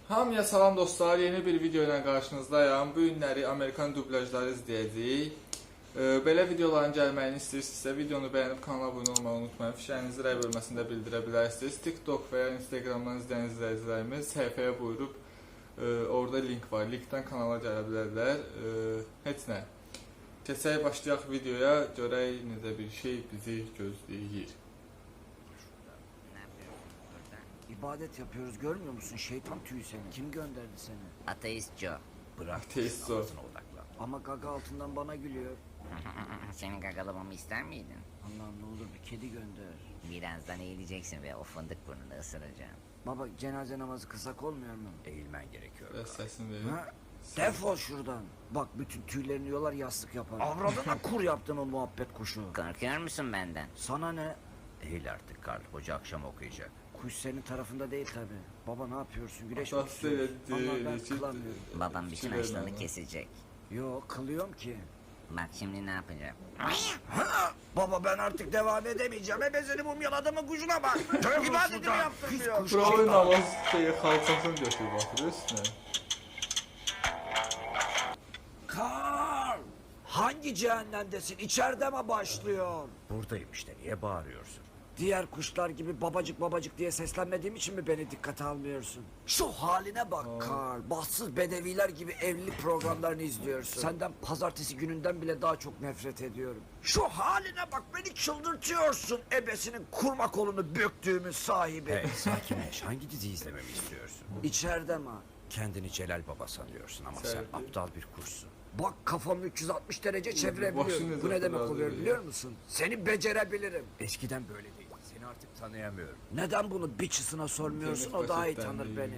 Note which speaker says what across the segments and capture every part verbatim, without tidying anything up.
Speaker 1: Hamıya salam dostlar, yeni bir video ilə qarşınızdayım. Bu günləri Amerikan dublajları izləyəcəyik. Ee, Belə videoların gəlməyini istəyirsinizsə, videonu bəyənib kanala abunə olmağı unutmayın. Fişənizi rəy bölməsində bildirə bilərsiniz. TikTok və ya Instagramdan izləyən izləyicilərimiz səhifəyə buyurub, e, orada link var. Linkdən kanala gələ bilərlər. E, heç nə. Keçək başlayaq videoya, görək necə bir şey bizi gözləyir.
Speaker 2: İbadet yapıyoruz, görmüyor musun? Şeytan tüyü seni. Kim gönderdi seni?
Speaker 3: Ateist Joe.
Speaker 2: Bırak.
Speaker 1: Ateist Joe.
Speaker 2: Odaklan. Ama gaga altından bana gülüyor.
Speaker 3: Senin gagalamamı ister miydin?
Speaker 2: Allah'ım ne olur bir kedi gönder.
Speaker 3: Birazdan eğileceksin ve o fındık burnunu ısıracağım.
Speaker 2: Baba cenaze namazı kısak olmuyor mu?
Speaker 4: Eğilmen gerekiyor.
Speaker 1: Biraz səsini verin.
Speaker 2: Ha? Defol şuradan. Bak bütün tüylerini yolar yastık yapar. Avradına kur yaptın o muhabbet kuşu.
Speaker 3: Korkuyor musun benden?
Speaker 2: Sana ne?
Speaker 4: Eğil artık Karl. Hoca akşam okuyacak.
Speaker 2: Kuş senin tarafında değil tabi. Baba ne yapıyorsun? Güneş mi
Speaker 1: Atası
Speaker 2: tutuyorsun?
Speaker 1: etti,
Speaker 2: Allah ben
Speaker 1: içi-
Speaker 2: kılamıyorum.
Speaker 3: Babam bütün
Speaker 1: Fikir
Speaker 3: açlığını
Speaker 1: vermem.
Speaker 3: kesecek.
Speaker 2: Yo kılıyorum ki.
Speaker 3: Bak şimdi ne yapacağım?
Speaker 2: Baba ben artık devam edemeyeceğim. Ebezini mumyaladığımın kuşuna bak. İbadetimi yaptım diyor.
Speaker 1: Buralı namaz şeyi xalçasını götürüb atır üstünə.
Speaker 2: Karl! Hangi cehennemdesin? İçeride mi başlıyor?
Speaker 4: Buradayım işte. Niye bağırıyorsun?
Speaker 2: Diğer kuşlar gibi babacık babacık diye seslenmediğim için mi beni dikkate almıyorsun? Şu haline bak Karl. Bahtsız bedeviler gibi evlilik programlarını izliyorsun. Senden pazartesi gününden bile daha çok nefret ediyorum. Şu haline bak beni çıldırtıyorsun. Ebesinin kurma kolunu büktüğümün sahibi.
Speaker 4: Hey sakinleş. Hangi dizi izlememi istiyorsun?
Speaker 2: İçeride mi?
Speaker 4: Kendini Celal Baba sanıyorsun ama sen
Speaker 1: Sevdim.
Speaker 4: aptal bir kursun.
Speaker 2: Bak kafamı üç yüz altmış derece
Speaker 1: Başını
Speaker 2: çevirebiliyorum. Bu ne demek
Speaker 1: razı
Speaker 2: oluyor
Speaker 1: veriyor.
Speaker 2: biliyor musun? Seni becerebilirim.
Speaker 4: Eskiden böyle değildi. Seni artık tanıyamıyorum.
Speaker 2: Neden bunu biçisine sormuyorsun? O daha iyi tanır beni.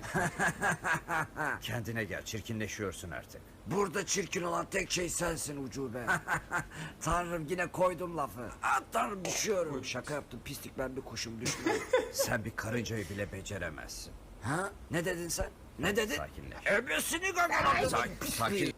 Speaker 4: Kendine gel. Çirkinleşiyorsun artık.
Speaker 2: Burada çirkin olan tek şey sensin ucube. Tanrım yine koydum lafı. Ah tanrım düşüyorum. Şaka yaptım pislik ben bir kuşum düşmüyorum.
Speaker 4: Sen bir karıncayı bile beceremezsin.
Speaker 2: Ha? Ne dedin sen? Ne dedin?
Speaker 4: Sakinleş.
Speaker 2: Ebesini gagaladın.
Speaker 4: Sakin, sakin.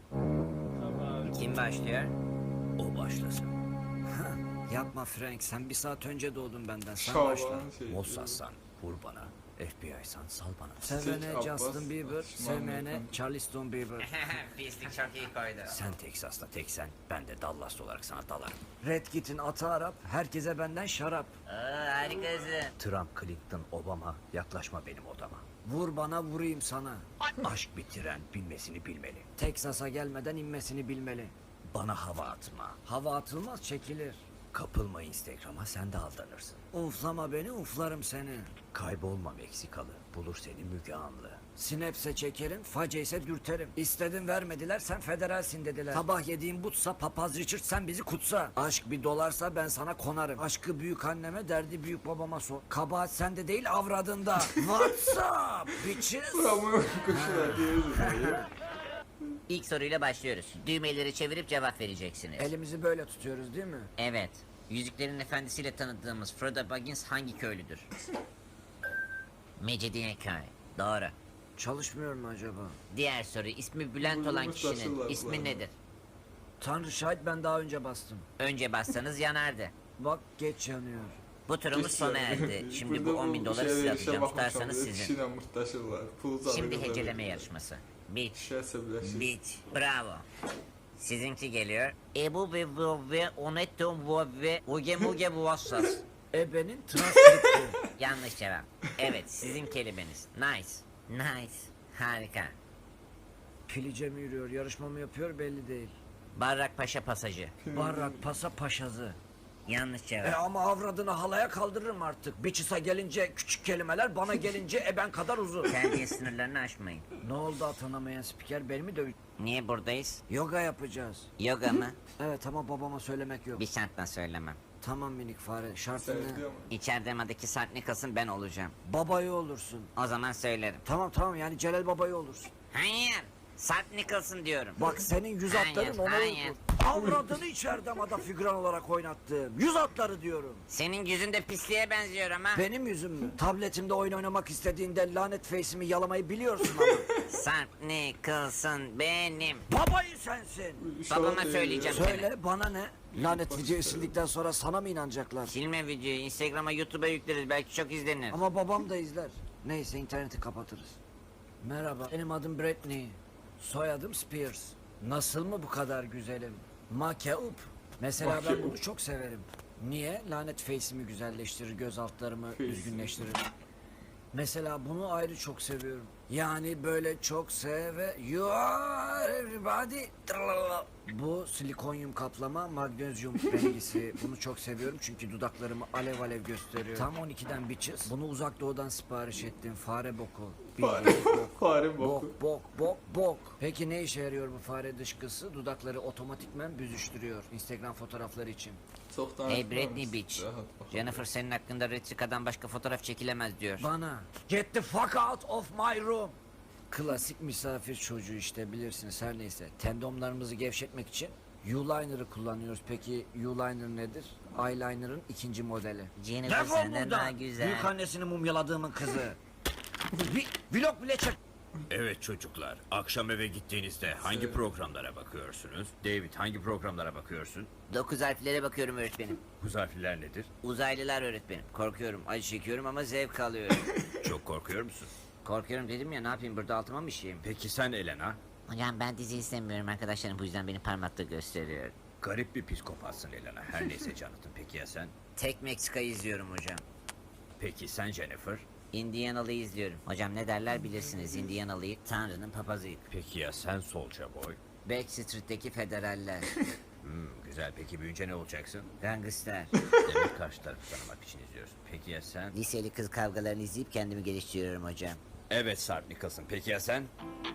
Speaker 3: Kim başlıyor?
Speaker 4: O başlasın.
Speaker 2: Yapma Frank sen bir saat önce doğdun benden sen başla.
Speaker 1: Şabanın şeyi.
Speaker 4: Mossad vur bana. F B I-san sal bana.
Speaker 2: Sevene
Speaker 1: Abbas,
Speaker 2: Justin Bieber,
Speaker 1: Şişman
Speaker 2: sevmeyene
Speaker 1: Amerikan.
Speaker 2: Charleston Bieber.
Speaker 3: Pislik çok iyi koydu.
Speaker 4: Sen Teksas'ta teksen, ben de Dallas olarak sana dalarım.
Speaker 2: Red Kit'in atı Arap, herkese benden şarap.
Speaker 3: Aa, harikasın.
Speaker 4: Trump, Clinton, Obama, yaklaşma benim odama.
Speaker 2: Vur bana vurayım sana.
Speaker 4: Aşk bitiren bilmesini bilmeli.
Speaker 2: Texas'a gelmeden inmesini bilmeli.
Speaker 4: Bana hava atma.
Speaker 2: Hava atılmaz çekilir.
Speaker 4: Kapılma Instagram'a, sen de aldanırsın.
Speaker 2: Uflama beni uflarım seni.
Speaker 4: Kaybolma Meksikalı, bulur seni Müge Anlı.
Speaker 2: Sinepse çekerim, face ise dürterim. İstedin vermediler, sen federalsin dediler. Sabah yediğin butsa, papaz Richard sen bizi kutsa. Aşk bir dolarsa ben sana konarım. Aşkı büyük anneme, derdi büyük babama sor. Kabahat sende değil avradında. WhatsApp, bitches.
Speaker 1: Buramı kuşlar diyelim.
Speaker 3: İlk soruyla başlıyoruz. Düğmeleri çevirip cevap vereceksiniz.
Speaker 2: Elimizi böyle tutuyoruz değil mi?
Speaker 3: Evet. Yüzüklerin Efendisi'yle tanıdığımız Frodo Baggins hangi köylüdür? Mecidiyeköy. Doğru.
Speaker 2: Çalışmıyor mu acaba?
Speaker 3: Diğer soru ismi Bülent
Speaker 1: Bunu
Speaker 3: olan kişinin
Speaker 1: taşırlar
Speaker 3: ismi
Speaker 1: kulağına.
Speaker 3: nedir?
Speaker 2: Tanrı şahit ben daha önce bastım.
Speaker 3: Önce bassanız yanardı.
Speaker 2: Bak geç yanıyor.
Speaker 3: Bu turumuz sona erdi. Şimdi bu on bin doları size atacağım. Tutarsanız sizin.
Speaker 1: Kişiyle mırtlaşırlar. Pul
Speaker 3: Şimdi heceleme yarışması. Bitch.
Speaker 1: Şəhsə birləşir.
Speaker 3: Bitch. Bravo. Sizinki geliyor. Ebu ve vu ve onetum vu ve uge muge vuassas.
Speaker 2: Ebenin transkripti.
Speaker 3: Yanlış cevap. Evet sizin kelimeniz. Nice. Nice. Harika.
Speaker 2: Pilice mi yürüyor, yarışma mı yapıyor belli değil.
Speaker 3: Barrak Paşa pasajı.
Speaker 2: Barrak pasa paşazı.
Speaker 3: Yanlış
Speaker 2: E
Speaker 3: cevap.
Speaker 2: ama avradını halaya kaldırırım artık. Biçisa gelince küçük kelimeler, bana gelince eben kadar uzun.
Speaker 3: Terbiye sınırlarını aşmayın.
Speaker 2: Ne oldu atanamayan spiker beni mi dövüş?
Speaker 3: Niye buradayız?
Speaker 2: Yoga yapacağız.
Speaker 3: Yoga mı?
Speaker 2: Evet ama babama söylemek yok.
Speaker 3: Bir şartla söylemem.
Speaker 2: Tamam minik fare, şartın ne?
Speaker 1: Sevdi ama.
Speaker 3: İçeride madaki Sarp Nicholson ben olacağım.
Speaker 2: Babayı olursun.
Speaker 3: O zaman söylerim.
Speaker 2: Tamam tamam yani Celal babayı olursun.
Speaker 3: Hayır. Sarp Nicholson diyorum.
Speaker 2: Bak senin yüz
Speaker 3: Hayır,
Speaker 2: atların ona
Speaker 3: hayır.
Speaker 2: uygun. Avradını içeride mada figüran olarak oynattığım. Yüz atları diyorum.
Speaker 3: Senin yüzünde pisliğe benziyor ama.
Speaker 2: Benim yüzüm mü? Tabletimde oyun oynamak istediğinde lanet face'imi yalamayı biliyorsun ama.
Speaker 3: Sarp Nicholson benim.
Speaker 2: Babayı sensin.
Speaker 1: Uşağı
Speaker 3: Babama
Speaker 1: deyir.
Speaker 3: söyleyeceğim.
Speaker 2: Söyle bana ne? Lanet video sildikten sonra sana mı inanacaklar?
Speaker 3: Silme videoyu Instagram'a YouTube'a yükleriz belki çok izlenir.
Speaker 2: Ama babam da izler. Neyse interneti kapatırız. Merhaba, benim adım Britney. Soyadım Spears. Nasıl mı bu kadar güzelim? Makeup. Mesela ben
Speaker 1: Makeup.
Speaker 2: bunu çok severim. Niye? Lanet face'imi güzelleştirir, göz altlarımı
Speaker 1: Face.
Speaker 2: düzgünleştirir. Mesela bunu ayrı çok seviyorum. Yani böyle çok seve... You are everybody. Tralala. Bu silikonyum kaplama magnezyum rengisi. Bunu çok seviyorum çünkü dudaklarımı alev alev gösteriyor. Tam on ikiden bitches. Bunu uzak doğudan sipariş ettim. Fare boku.
Speaker 1: Fare,
Speaker 2: Bildiğin bok.
Speaker 1: fare boku.
Speaker 2: Bok bok bok bok. Peki ne işe yarıyor bu fare dışkısı? Dudakları otomatikmen büzüştürüyor. Instagram fotoğrafları için.
Speaker 1: Çoxdan
Speaker 3: Hey Britney Beach.
Speaker 1: Rahat bakalım.
Speaker 3: Jennifer senin hakkında Retrika'dan başka fotoğraf çekilemez diyor.
Speaker 2: Bana get the fuck out of my room. Klasik misafir çocuğu işte, bilirsiniz. Her neyse, tendonlarımızı gevşetmek için U-liner'ı kullanıyoruz. Peki U-liner nedir? Eyeliner'ın ikinci modeli.
Speaker 3: Jennifer
Speaker 2: Defol
Speaker 3: senden
Speaker 2: buradan.
Speaker 3: daha güzel.
Speaker 2: Büyük annesini mumyaladığımın kızı. Vi vlog bile çek.
Speaker 4: Evet çocuklar, akşam eve gittiğinizde hangi programlara bakıyorsunuz? David, hangi programlara bakıyorsun?
Speaker 3: Dokuz harflere bakıyorum öğretmenim.
Speaker 4: Kuz harfler nedir?
Speaker 3: Uzaylılar öğretmenim. Korkuyorum, acı çekiyorum ama zevk alıyorum.
Speaker 4: Çok korkuyor musun?
Speaker 3: Korkuyorum dedim ya, ne yapayım, burada altıma mı işeyim?
Speaker 4: Peki sen Elena?
Speaker 3: Hocam ben dizi izlemiyorum, arkadaşlarım bu yüzden beni parmakla gösteriyor.
Speaker 4: Garip bir psikopatsın Elena. Her neyse Jonathan. Peki ya sen?
Speaker 3: Tek Meksika'yı izliyorum hocam.
Speaker 4: Peki sen Jennifer?
Speaker 3: Indianalı'yı izliyorum. Hocam ne derler bilirsiniz, Indianalı'yı Tanrı'nın papazıyım.
Speaker 4: Peki ya sen Soulja Boy?
Speaker 3: Backstreet'teki federaller.
Speaker 4: Hmm, güzel. Peki büyüyünce ne olacaksın?
Speaker 3: Gangster.
Speaker 4: Demek karşı tarafı tanımak için izliyorsun. Peki ya sen?
Speaker 3: Liseli kız kavgalarını izleyip kendimi geliştiriyorum hocam.
Speaker 4: Evet Sarp Nicholson. Peki ya sen?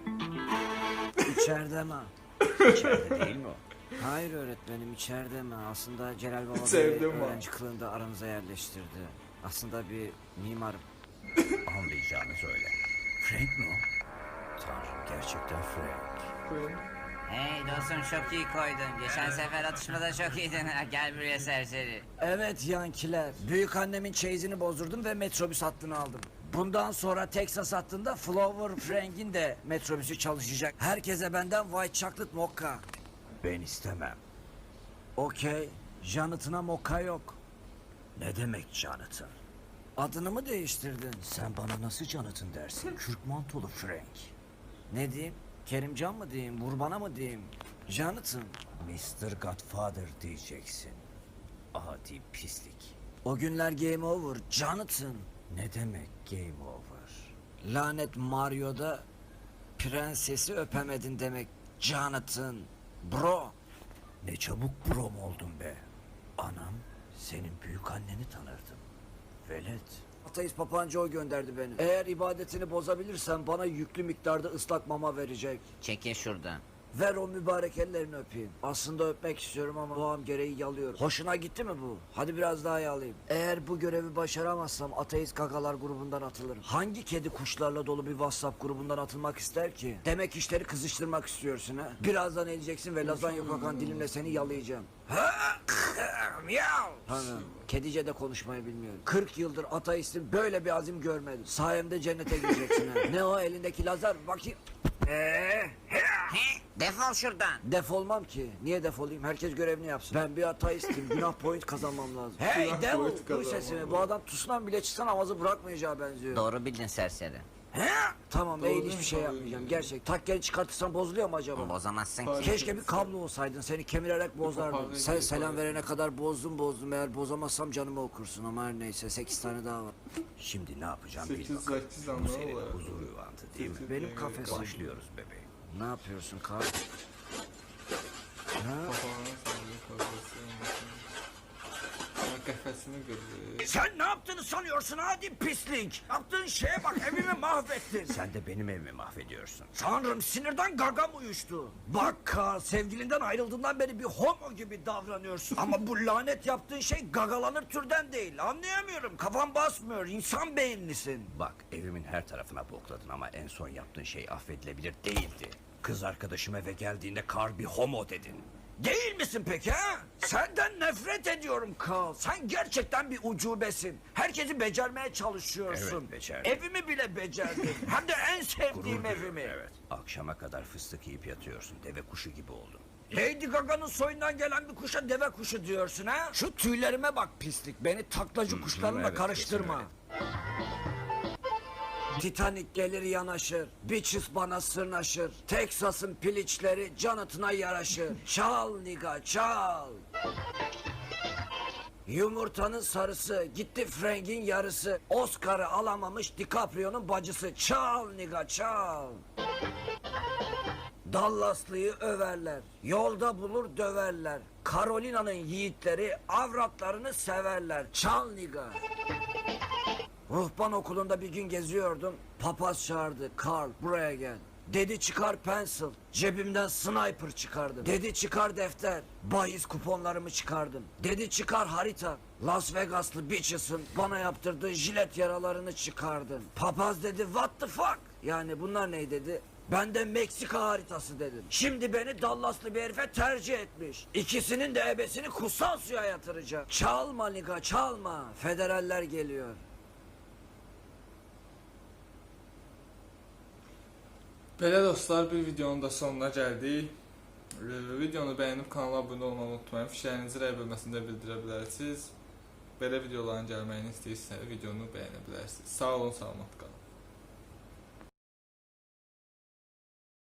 Speaker 2: İçeride mi?
Speaker 4: İçeride değil mi o?
Speaker 2: Hayır öğretmenim, içeride mi? Aslında Celal Baba beni
Speaker 1: Sevdim ben.
Speaker 2: öğrenci kılığında aramıza yerleştirdi. Aslında bir mimarım.
Speaker 4: Anlayacağını söyle. Frank mi o? Tanrım, gerçekten Frank.
Speaker 3: Hey dostum, çok iyi koydun. Geçen sefer atışmada çok iyiydin. Gel buraya serseri.
Speaker 2: Evet yankiler. Büyük annemin çeyizini bozdurdum ve metrobüs hattını aldım. Bundan sonra Texas hattında Flower Frank'in de metrobüsü çalışacak. Herkese benden White Chocolate Mocha.
Speaker 4: Ben istemem.
Speaker 2: Okey. Jonathan'a mocha yok.
Speaker 4: Ne demek Jonathan?
Speaker 2: Adını mı değiştirdin?
Speaker 4: Sen bana nasıl Jonathan dersin? Kürk mantolu Frank.
Speaker 2: Ne diyeyim? Kerimcan mı diyeyim? Vurbana mı diyeyim? Jonathan.
Speaker 4: mister Godfather diyeceksin. Adi pislik.
Speaker 2: O günler game over. Jonathan.
Speaker 4: Ne demek game over?
Speaker 2: Lanet Mario'da prensesi öpemedin demek. Jonathan. Bro.
Speaker 4: Ne çabuk brom oldun be. Anam, senin büyük anneni tanırdım. Velet.
Speaker 2: Ateist papağancı o gönderdi beni. Eğer ibadetini bozabilirsen bana yüklü miktarda ıslak mama verecek.
Speaker 3: Çekil şuradan.
Speaker 2: Ver o mübarek ellerini öpeyim. Aslında öpmek istiyorum ama doğam gereği yalıyorum. Hoşuna gitti mi bu? Hadi biraz daha yalayayım. Eğer bu görevi başaramazsam ateist kagalar grubundan atılırım. Hangi kedi kuşlarla dolu bir WhatsApp grubundan atılmak ister ki? Demek işleri kızıştırmak istiyorsun ha? Birazdan eleceksin ve lazanya kokan dilimle seni yalayacağım. Miyav. Hanım, kedice de konuşmayı bilmiyorum. kırk yıldır ateistim, böyle bir azim görmedim. Sayemde cennete gireceksin ha. Ne o elindeki lazer? Bakayım. Eee?
Speaker 3: Defol şuradan.
Speaker 2: Defolmam ki. Niye defolayım? Herkes görevini yapsın. Ben bir ateistim. Günah point kazanmam lazım. Hey
Speaker 1: Günah
Speaker 2: devil!
Speaker 1: point
Speaker 2: Duy
Speaker 1: kazanmam
Speaker 2: sesimi. Bu adam tsunami bile çıksa namazı bırakmayacağı benziyor.
Speaker 3: Doğru bildin serseri.
Speaker 2: He? Tamam
Speaker 1: Doğru
Speaker 2: eğil,
Speaker 1: değil
Speaker 2: hiçbir
Speaker 1: mi?
Speaker 2: şey
Speaker 1: Doğru
Speaker 2: yapmayacağım.
Speaker 1: değil.
Speaker 2: Gerçek. Takkeni çıkartırsam bozuluyor mu acaba?
Speaker 3: Bozamazsın
Speaker 1: Hayır.
Speaker 3: ki.
Speaker 2: Keşke bir kablo olsaydın. Seni kemirerek bozardım.
Speaker 1: Kopar
Speaker 2: Sen
Speaker 1: değil,
Speaker 2: selam
Speaker 1: kopar.
Speaker 2: verene kadar bozdum bozdum. Eğer bozamazsam canımı okursun. Ama her neyse sekiz tane daha var.
Speaker 4: Şimdi ne yapacağım bil
Speaker 1: sekiz
Speaker 4: bakalım.
Speaker 1: sekiz
Speaker 4: Bu
Speaker 1: anlamı
Speaker 4: senin
Speaker 1: var.
Speaker 4: huzur yuvantı değil mi?
Speaker 2: Benim kafesim.
Speaker 4: Başlıyoruz bebeğim.
Speaker 2: Ne yapıyorsun Karl? Ha?
Speaker 1: Papağanın sağlığı kavgası. Qəfəsini qırdı.
Speaker 2: Sen ne yaptığını sanıyorsun hadi pislik? Yaptığın şeye bak, evimi mahvettin.
Speaker 4: Sen de benim evimi mahvediyorsun.
Speaker 2: Tanrım, sinirden gagam uyuştu. Bak Karl, sevgilinden ayrıldığından beri bir homo gibi davranıyorsun. Ama bu lanet yaptığın şey gagalanır türden değil. Anlayamıyorum, kafam basmıyor, insan beyinlisin.
Speaker 4: Bak evimin her tarafına bokladın ama en son yaptığın şey affedilebilir değildi. Kız arkadaşım eve geldiğinde kar bir homo dedin.
Speaker 2: Değil misin peki ha? Senden nefret ediyorum Karl. Sen gerçekten bir ucubesin. Herkesi becermeye çalışıyorsun.
Speaker 4: Evet, becerdim.
Speaker 2: Evimi bile becerdin. Hem de en sevdiğim
Speaker 4: Gurur
Speaker 2: evimi.
Speaker 4: duyuyorum, evet. Akşama kadar fıstık yiyip yatıyorsun. Deve kuşu gibi oldun.
Speaker 2: Lady Gaga'nın soyundan gelen bir kuşa deve kuşu diyorsun ha? Şu tüylerime bak pislik. Beni taklacı kuşlarımla
Speaker 4: evet,
Speaker 2: karıştırma.
Speaker 4: kesin
Speaker 2: Titanic gelir yanaşır, Bitches bana sırnaşır, Texas'ın piliçleri canıtına yaraşır. Çal niga çal. Yumurtanın sarısı, gitti Frank'in yarısı, Oscar'ı alamamış DiCaprio'nun bacısı. Çal niga çal. Dallaslı'yı överler, yolda bulur döverler, Carolina'nın yiğitleri avratlarını severler. Çal niga. Ruhban okulunda bir gün geziyordum. Papaz çağırdı. Carl buraya gel. Dedi çıkar pencil. Cebimden sniper çıkardım. Dedi çıkar defter. Bahis kuponlarımı çıkardım. Dedi çıkar harita. Las Vegaslı bitches'ın bana yaptırdığı jilet yaralarını çıkardım. Papaz dedi what the fuck? Yani bunlar ne dedi? Ben de Meksika haritası dedim. Şimdi beni Dallaslı bir herife tercih etmiş. İkisinin de ebesini kutsal suya yatıracak. Çalma liga çalma. Federaller geliyor.
Speaker 1: Belə dostlar, bir videonun da sonuna gəldik. Ee, Videonu bəyənib kanala abunə olmağı unutmayın. Fikirlərinizi rəy bölməsində bildirə bilərsiniz. Belə videoların gəlməyini istəyirsinizsə videonu bəyənə bilərsiniz. Sağ olun, salamat qalın.